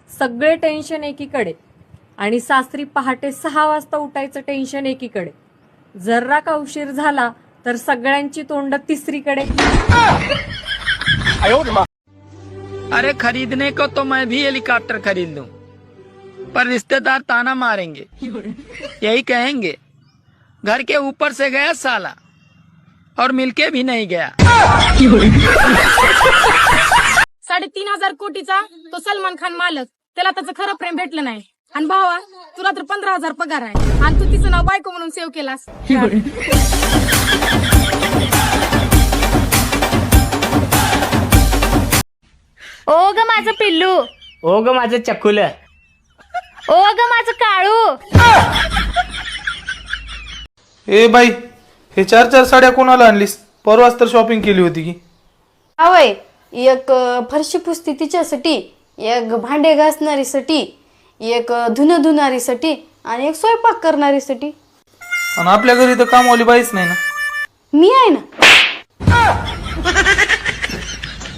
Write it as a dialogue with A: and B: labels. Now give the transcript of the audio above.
A: सगळे टेन्शन एकीकडे आणि सासरी पहाटे 6 वाजता उठायचं टेन्शन एकीकडे. जर्रा का उशीर झाला तर सगळ्यांची तोंड तिसरीकडे.
B: अरे खरीदने को तो मैं भी हेलीकॉप्टर खरीद लूं, पर रिश्तेदार ताना मारेंगे, यही कहेंगे घर के ऊपर से गया साला और मिलके भी नहीं गया.
C: 3,500 कोटीचा तो सलमान खान मालक, त्याला त्याचं खरं प्रेम भेटलं नाही. आणि भावा तुला तर 15,000 पगार आहे आणि तू तिचं नाव बायको म्हणून सेव्ह केलास.
D: ओ ग माझं पिल्लू,
B: ओ ग माझं चकुल,
D: ओ ग माझं काळू.
E: ए बाई, हे 4 साड्या कोणाला आणलीस? परवाच तर शॉपिंग केली होती की.
F: आवय, एक फरशी पुसती तिच्यासाठी, एक भांडे घासणारीसाठी, एक धुणं धुणारीसाठी आणि एक स्वयंपाक करणारीसाठी.
E: आणि आपल्या घरी तर कामवाली बाईच नाही ना.
F: मी आहे ना.